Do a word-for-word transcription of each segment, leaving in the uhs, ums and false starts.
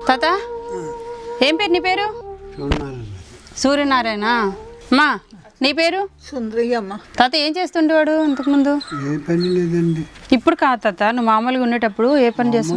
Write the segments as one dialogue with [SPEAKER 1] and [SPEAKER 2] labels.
[SPEAKER 1] తాత ఏం పేరు నీ పేరు? సూర్యనారాయణ. అమ్మా నీ పేరు?
[SPEAKER 2] సుందరయ్యమ్మ.
[SPEAKER 1] తాత ఏం చేస్తుండేవాడు ఇంతకుముందు?
[SPEAKER 3] ఏ పని లేదండి.
[SPEAKER 1] ఇప్పుడు కాదు తాత, నువ్వు మామూలుగా ఉండేటప్పుడు ఏ పని చేస్తావు?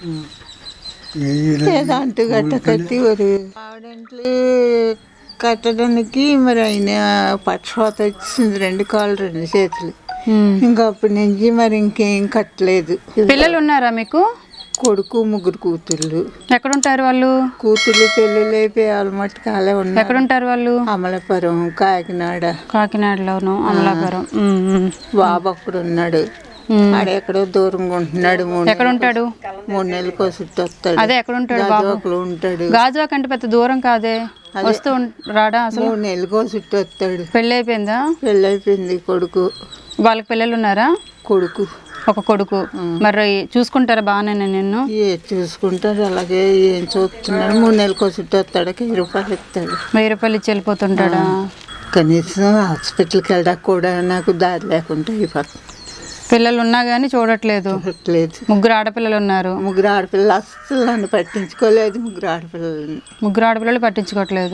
[SPEAKER 2] అంటు గట్ట కట్టి ఆవిడంట్లు కట్టడానికి మరి ఆయన పక్షవాత వచ్చింది, రెండు కాళ్ళు రెండు చేతులు. ఇంకా అప్పటి నుంచి మరి ఇంకేం కట్టలేదు.
[SPEAKER 1] పిల్లలు ఉన్నారా మీకు?
[SPEAKER 2] కొడుకు ముగ్గురు కూతుళ్ళు.
[SPEAKER 1] ఎక్కడుంటారు వాళ్ళు?
[SPEAKER 2] కూతుళ్ళు పెళ్ళిళ్ళు అయిపోయి వాళ్ళ మట్టుకు అలా ఉన్నారు.
[SPEAKER 1] ఎక్కడుంటారు వాళ్ళు?
[SPEAKER 2] అమలాపురం, కాకినాడ.
[SPEAKER 1] కాకినాడలోను అమలాపురం.
[SPEAKER 2] బాబు అక్కడ ఉన్నాడు, ఆడెక్కడో దూరంగా ఉంటున్నాడు.
[SPEAKER 1] ఎక్కడ ఉంటాడు?
[SPEAKER 2] మూడు నెలలకు చుట్టూ వస్తాడు.
[SPEAKER 1] అదే ఎక్కడ ఉంటాడు? బాబు
[SPEAKER 2] ఉంటాడు.
[SPEAKER 1] గాజువాక అంటే పెద్ద దూరం కాదే, వస్తూ రాడా? అసలు
[SPEAKER 2] మూడు నెలలకు చుట్టూ వస్తాడు.
[SPEAKER 1] పెళ్ళి అయిపోయిందా?
[SPEAKER 2] పెళ్ళి అయిపోయింది. కొడుకు.
[SPEAKER 1] వాళ్ళకి పిల్లలు ఉన్నారా?
[SPEAKER 2] కొడుకు
[SPEAKER 1] ఒక కొడుకు. మరి చూసుకుంటారా బాగానే నిన్ను?
[SPEAKER 2] ఏ చూసుకుంటారు, అలాగే ఏం చూస్తున్నాడు. మూడు నెలలకు చుట్టూ వస్తాడు, వెయ్యి రూపాయలు ఇస్తాడు.
[SPEAKER 1] వెయ్యి రూపాయలు ఇచ్చి వెళ్ళిపోతుంటాడా?
[SPEAKER 2] కనీసం హాస్పిటల్కి వెళ్ళడానికి కూడా నాకు దారి లేకుండా అయిపోతుంది.
[SPEAKER 1] పిల్లలు ఉన్నా కానీ చూడట్లేదు.
[SPEAKER 2] చూడట్లేదు.
[SPEAKER 1] ముగ్గురు ఆడపిల్లలు ఉన్నారు.
[SPEAKER 2] ముగ్గురు ఆడపిల్లలు అస్సలు నన్ను పట్టించుకోలేదు. ముగ్గురు ఆడపిల్లలు
[SPEAKER 1] ముగ్గురు ఆడపిల్లలు పట్టించుకోవట్లేదు.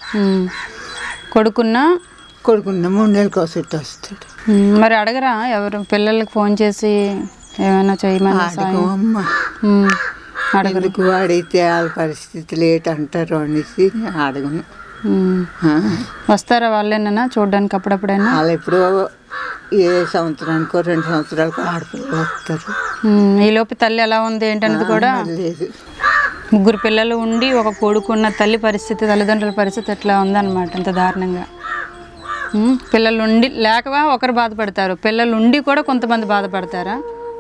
[SPEAKER 1] కొడుకున్నా
[SPEAKER 2] కొడుకున్న మూడు నెలలకు చుట్టూ వస్తాడు.
[SPEAKER 1] మరి అడగరా ఎవరు పిల్లలకి ఫోన్ చేసి ఏమైనా చేయమని?
[SPEAKER 2] అమ్మ అడగకు, అడిగితే వాళ్ళ పరిస్థితులు ఏంటంటారు అనేసి అడగను.
[SPEAKER 1] వస్తారా వాళ్ళేనా చూడడానికి అప్పుడప్పుడైనా?
[SPEAKER 2] వాళ్ళు ఎప్పుడో ఏ సంవత్సరానికో రెండు సంవత్సరాలకు ఆడపిల్లలు వస్తారు.
[SPEAKER 1] ఈలోపు తల్లి ఎలా ఉంది ఏంటనేది కూడా
[SPEAKER 2] లేదు.
[SPEAKER 1] ముగ్గురు పిల్లలు ఉండి ఒక కొడుకున్న తల్లి పరిస్థితి, తల్లిదండ్రుల పరిస్థితి ఎట్లా ఉందన్నమాట, అంత దారుణంగా. పిల్లలు ఉండి లేకవా ఒకరు బాధపడతారు, పిల్లలు ఉండి కూడా కొంతమంది బాధపడతారా?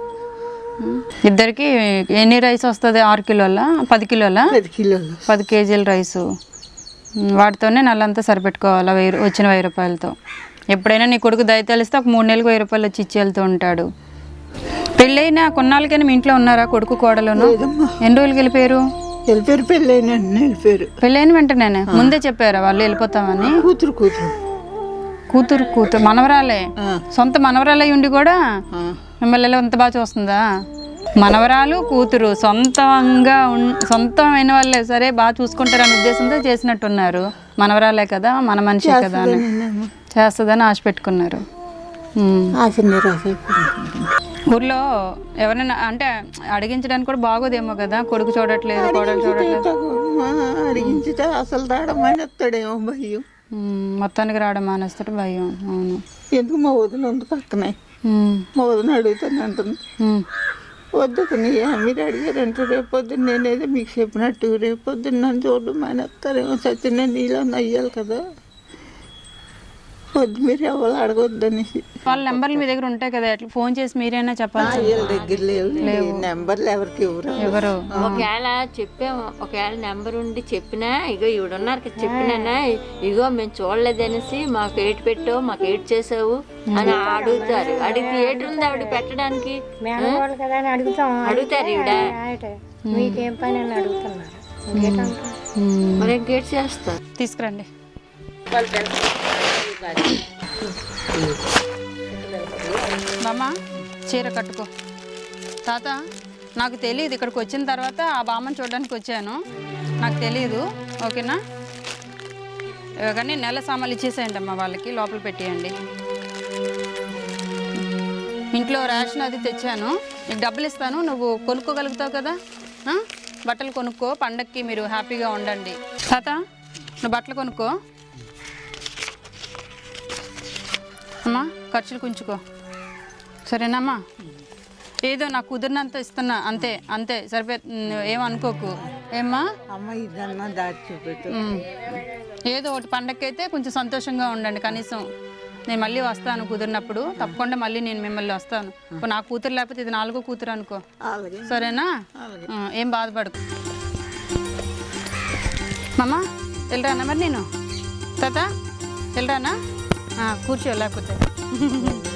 [SPEAKER 1] ఇద్దరికి ఎన్ని రైస్ వస్తుంది? ఆరు కిలోల పది కిలోల
[SPEAKER 2] పది కిలోలు
[SPEAKER 1] పది కేజీల రైసు. వాటితోనే నెలంతా సరిపెట్టుకోవాలా వెయ్యి వచ్చిన వెయ్యి రూపాయలతో. ఎప్పుడైనా నీ కొడుకు దయ తెలిస్తే ఒక మూడు నెలలకు వెయ్యి రూపాయలు వచ్చి ఇచ్చి వెళ్తూ ఉంటాడు. పెళ్ళైనా కొన్నాళ్ళకైనా మీ ఇంట్లో ఉన్నారా కొడుకు కోడలును? ఎన్ని రోజులకి వెళ్ళిపోయారు?
[SPEAKER 2] వెళ్ళిపోయారు. పెళ్ళైన వెళ్ళిపోయారు.
[SPEAKER 1] పెళ్ళైన వెంటనే ముందే చెప్పారా వాళ్ళు వెళ్ళిపోతామని?
[SPEAKER 2] కూతురు కూతురు
[SPEAKER 1] కూతురు కూతురు మనవరాలే, సొంత మనవరాలే ఉండి కూడా మిమ్మల్ని ఎంత బాగా చూస్తుందా? మనవరాలు కూతురు సొంతంగా సొంతమైన వాళ్ళే సరే బాగా చూసుకుంటారు అనే ఉద్దేశంతో చేసినట్టున్నారు. మనవరాలే కదా, మన మనిషి కదా అని చేస్తుందని ఆశ పెట్టుకున్నారు. ఊర్లో ఎవరైనా అంటే అడిగించడానికి కూడా బాగోదేమో కదా, కొడుకు చూడట్లేదు కోడలు చూడట్లేదు.
[SPEAKER 2] అడిగించితే అసలు రావడమేమో భయం.
[SPEAKER 1] మొత్తానికి రావడం మానేస్తాడు భయం. అవును.
[SPEAKER 2] ఎందుకు మా వదిన ఉంది పక్కనే, మా వదిన అడుగుతాను అంటుంది. వద్దు మీరు అడిగారంటే రేపొద్దున్న నేనేదో మీకు చెప్పినట్టు రేపొద్దున్న నన్ను చూడడం మానేస్తారేమో, సత్యనే నీలో అయ్యాలి కదా, వద్దు మీరు ఎవరు అడగొద్దనేసి.
[SPEAKER 1] వాళ్ళ నెంబర్లు మీ దగ్గర ఉంటాయి కదా, ఎట్లా ఫోన్ చేసి మీరైనా చెప్పాలి.
[SPEAKER 2] వీళ్ళ దగ్గర లేవు నెంబర్లు, ఎవరికి ఎవరు
[SPEAKER 1] ఎవరు
[SPEAKER 4] ఒకవేళ చెప్పాము, ఒకవేళ నెంబర్ ఉండి చెప్పినా ఇగో ఈవిడున్నారు కదా చెప్పినా ఇగో మేము చూడలేదనేసి మాకు ఏటు పెట్టావు మాకు ఏటు చేసావు అని అడుగుతారు. అడిగితే ఏటు ఉంది ఆవిడ పెట్టడానికి అడుగుతారు. ఈవిడ
[SPEAKER 5] మీకేం పని అని అడుగుతున్నారు.
[SPEAKER 4] మరి గేట్ చేస్తారు.
[SPEAKER 1] తీసుకురండి. బామ్మ చీర కట్టుకో. తాత నాకు తెలియదు, ఇక్కడికి వచ్చిన తర్వాత ఆ బామ్మని చూడడానికి వచ్చాను, నాకు తెలీదు. ఓకేనా? కానీ నెల సామాన్లు ఇచ్చేసేయండి అమ్మ, వాళ్ళకి లోపల పెట్టేయండి. ఇంట్లో రేషన్ అది తెచ్చాను, నీకు డబ్బులు ఇస్తాను, నువ్వు కొనుక్కోగలుగుతావు కదా, బట్టలు కొనుక్కో, పండక్కి మీరు హ్యాపీగా ఉండండి. తాత నువ్వు బట్టలు కొనుక్కో అమ్మా, ఖర్చులు కుంచుకో సరేనమ్మా. ఏదో నాకు కుదిరినంత ఇస్తున్నా అంతే అంతే సరిపో, ఏమనుకోకు. ఏమ్మా
[SPEAKER 2] అమ్మ ఇదన్నా దాచి చూపెట్టు.
[SPEAKER 1] ఏదో ఒకటి పండగకి అయితే కొంచెం సంతోషంగా ఉండండి కనీసం. నేను మళ్ళీ వస్తాను కుదిరినప్పుడు, తప్పకుండా మళ్ళీ నేను మిమ్మల్ని వస్తాను. నా కూతురు లేకపోతే ఇది నాలుగో కూతురు అనుకో, సరేనా? ఏం బాధపడకు. మమ్మ వెళ్ళరానా మరి నేను? తాత వెళ్ళరానా? కూర్చో లేకపోతే